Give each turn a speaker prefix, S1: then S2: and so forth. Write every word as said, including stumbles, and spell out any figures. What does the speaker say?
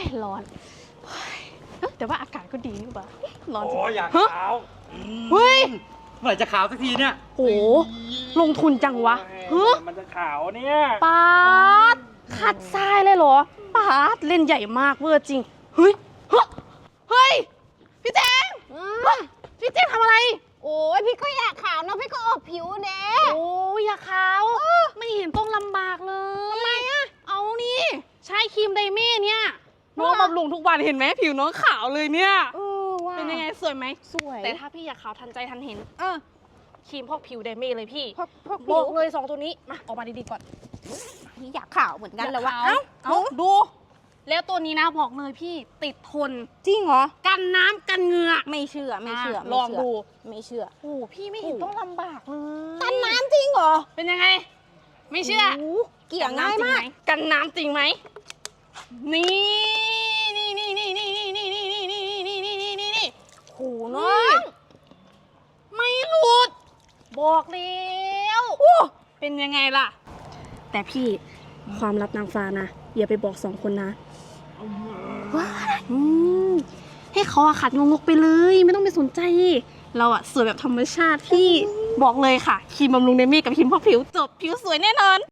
S1: ร้อนแต่ว่าอากาศก็ดีนี่หว่าร้อนจริง
S2: โอ้อยากขาว
S1: เฮ้ย
S2: เมื่อไหร่จะขาวสักทีเนี่ย
S1: โหลงทุนจังวะเฮ้ย
S2: มันจะขาวเนี่ย
S1: ปาดขัดทรายเลยเหรอปาดเล่นใหญ่มากเวอร์จริงเฮ้ยเฮ้ยพี่แจงพี่แจงทำอะไร
S3: โอ้ยพี่ก็อยากขาวนะพี่ก็ออกผิวเด้
S1: โอ้ยอยากขาวไม่เห็นต้องลำบากเลยทำไมอะเอานี่ใช้ครีมไดเม่เนี่ยน้องบำรุงทุกวันเห็นไหมผิวน้องขาวเลยเนี่ยเป็นยังไงสวยไหม
S3: สวย
S1: แต่ถ้าพี่อยากขาวทันใจทันเห็น
S3: เออ
S1: ครีมพอกผิวไดเม่เลยพี่
S3: บอก
S1: เลยสองตัวนี้มาออกมาดีๆก่อน
S3: พี่อยากขาวเหมือนกันเลยว่า
S1: เอ้าเอ้าดูแล้วตัวนี้นะบอกเลยพี่ติดทน
S3: จริงเหรอ
S1: กันน้ำกันเหงื่อ
S3: ไม่เชื่อไม่เชื่อ
S1: ลองดู
S3: ไม่เชื่อ
S1: โอ้พี่ไม่เห็นต้องลำบากเลย
S3: กันน้ำจริงเหรอ
S1: เป็นยังไงไม่เชื่อ
S3: เกี่ยงง่ายมาก
S1: กันน้ำจริงไหมนี่นี่นี่นี่นี่นี่นี่นี่นี่นี่นี่นี่นี่นี่
S3: โหน้อง
S1: ไม่หลุดบอกแล้วเป็นยังไงล่ะแต่พี่ความลับนางฟ้านะอย่าไปบอกสองคนนะว้าให้เขาอะขัดงงๆไปเลยไม่ต้องไปสนใจเราอะสวยแบบธรรมชาติที่บอกเลยค่ะครีมบำรุงไดเม่กับครีมพอกผิวจบผิวสวยแน่นอน